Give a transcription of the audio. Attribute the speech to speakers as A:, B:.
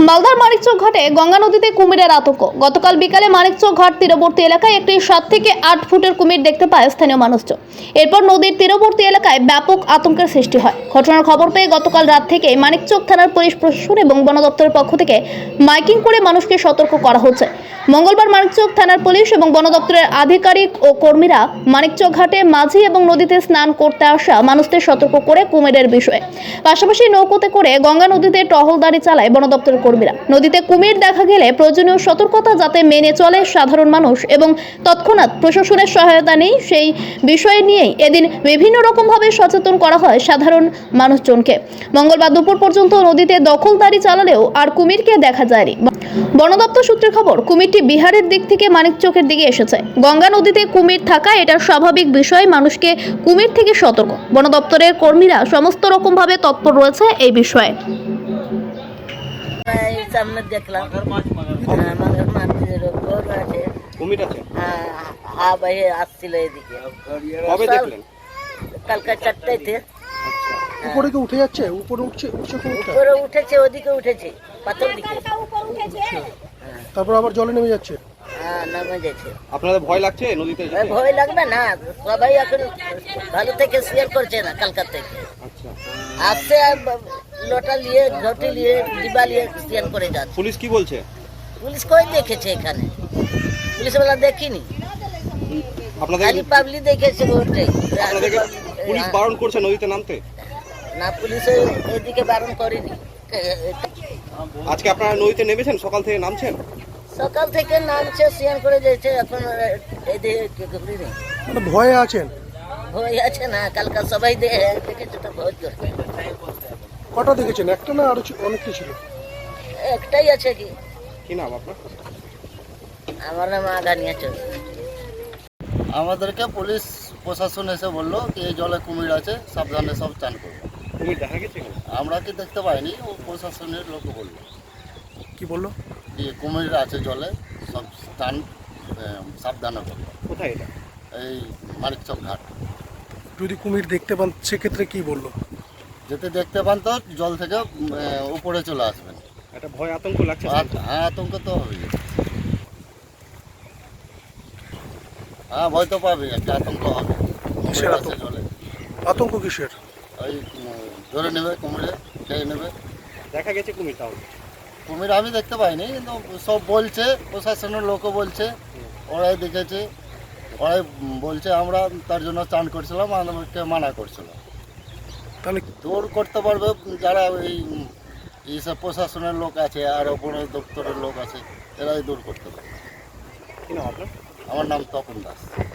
A: মালদার মানিকচক ঘাটে গঙ্গা নদীতে কুমিরের আতঙ্ক। গতকাল বিকালে মানিকচক ঘাট তীরবর্তী এলাকায় একটি 7 থেকে 8 ফুটের কুমির দেখতে পায় স্থানীয় মানুষজন। এরপর নদীর তীরবর্তী এলাকায় ব্যাপক আতঙ্কের সৃষ্টি হয়। ঘটনার খবর পেয়ে গতকাল রাত থেকে মানিকচক থানার পুলিশ প্রশাসন এবং বন দপ্তরের পক্ষ থেকে মাইকিং করে মানুষকে সতর্ক করা হচ্ছে। মঙ্গলবার মানিকচক থানার পুলিশ এবং বন দপ্তরের আধিকারিক ও কর্মীরা মানিকচক ঘাটে মাঝি এবং নদীতে স্নান করতে আসা মানুষদের সতর্ক করে কুমিরের বিষয়ে, পাশাপাশি নৌকোতে করে গঙ্গা নদীতে টহলদারি চালায় বন দপ্তরের কর্মীরা। নদীতে কুমির দেখা গেলে প্রয়োজনীয় সতর্কতা যাতে মেনে চলে সাধারণ মানুষ এবং তৎক্ষণাৎ প্রশাসনের সহায়তা নেই সেই বিষয় নিয়েই এদিন বিভিন্ন রকমভাবে সচেতন করা হয় সাধারণ মানুষজনকে। মঙ্গলবার দুপুর পর্যন্ত নদীতে দখলদারি চালালেও আর কুমিরকে দেখা যায়নি। বন দপ্তর সূত্রে খবর, কুমিরটি বিহারের দিক থেকে মানিকচকের দিকে এসেছে। গঙ্গা নদীতে কুমির থাকা এটা স্বাভাবিক বিষয়, মানুষকে কুমির থেকে সতর্ক। বন দপ্তরের কর্মীরা সমস্ত রকমভাবে তৎপর রয়েছে এই বিষয়ে।
B: সামনে দেখলাম
C: কুমির আছে।
B: হ্যাঁ ভাই আসছিল এদিকে।
C: কবে দেখলেন?
B: কালকে 4টাতে।
D: উপরে কি উঠে যাচ্ছে? উপরে উঠছে কুমিরটা?
B: উপরে উঠেছে, ওদিকে উঠেছে, পাথর দিকে।
D: তারপর আবার জলে নেমে যাচ্ছে।
B: হ্যাঁ, নামে যাচ্ছে।
C: আপনাদের ভয় লাগছে নদীতে যেতে?
B: ভয় লাগবে না, সবাই এখন ভালো থেকে শেয়ার করছে না কালকা থেকে।
C: আচ্ছা,
B: আসছে আর লোটা নিয়ে, ঘটি নিয়ে, ডিবা নিয়ে শেয়ার করে যাচ্ছে।
C: পুলিশ কি বলছে?
B: পুলিশ কই দেখেছে এখানে? পুলিশওয়ালা দেখিনি,
C: আপনাদের
B: খালি পাবলিক দেখেছে ওটাই।
C: আপনাদেরকে পুলিশ বারণ করছে নদীতে নামতে?
B: না, পুলিশ এদিকে বারণ করেনি।
C: আজকে আপনারা নদীতে নেমেছেন? সকাল থেকে নামছেন?
B: সকাল থেকে নামছে, স্নান করে যাচ্ছে, এখন এদিকে ঘুরিনি।
D: মানে ভয়ে আছেন?
B: ভয় আছে না, কালকা সবাই দেখেছে তো ভয় করছে।
D: কটা দেখেছেন? একটা না আরো অনেকটা ছিল?
B: একটাই আছে। কি
C: কি নাম আপনার?
B: আমার নাম আগানিয়া চৌধুরী।
E: আমাদেরকে পুলিশ প্রশাসন এসে বললো কি এই জলে কুমির আছে, সাবধানে সব চান করবো।
C: কুমির দেখা গেছে এখানে?
E: আমরা কি দেখতে পাইনি, ও প্রশাসনের লোক বললো
D: কি বললো?
E: কি কুমির আছে জলে, সব স্থান সাবধানে করবো।
C: কোথায় এটা?
E: এই মানিকচক ঘাট।
D: যদি কুমির দেখতে পান সেক্ষেত্রে কি বললো?
E: যেতে দেখতে পান তো জল থেকে উপরে চলে আসবেন।
C: একটা ভয় আতঙ্ক লাগছে?
E: হ্যাঁ, আতঙ্ক তো হবে। হ্যাঁ, ভয় তো পাবে, একটা আতঙ্ক হবে।
D: কিসের
E: কুমির আছে
D: আতঙ্ক?
E: জলে,
D: আতঙ্ক কিসের?
E: ওই ধরে নেবে, কুমিরে খেয়ে নেবে।
C: দেখা গেছে কুমির? তাহলে
E: কুমির আমি দেখতে পাইনি, কিন্তু সব বলছে, প্রশাসনের লোকও বলছে, ওরাই দেখেছে, ওরাই বলছে। আমরা তার জন্য চান করছিলাম, আমাদেরকে মানা করছিলাম।
D: তাহলে
E: দূর করতে পারবে যারা ওই এইসব প্রশাসনের লোক আছে আর বন দপ্তরের লোক আছে, এরাই দূর করতে পারবে।
C: কি নাম আপনার?
E: আমার নাম তপন দাস।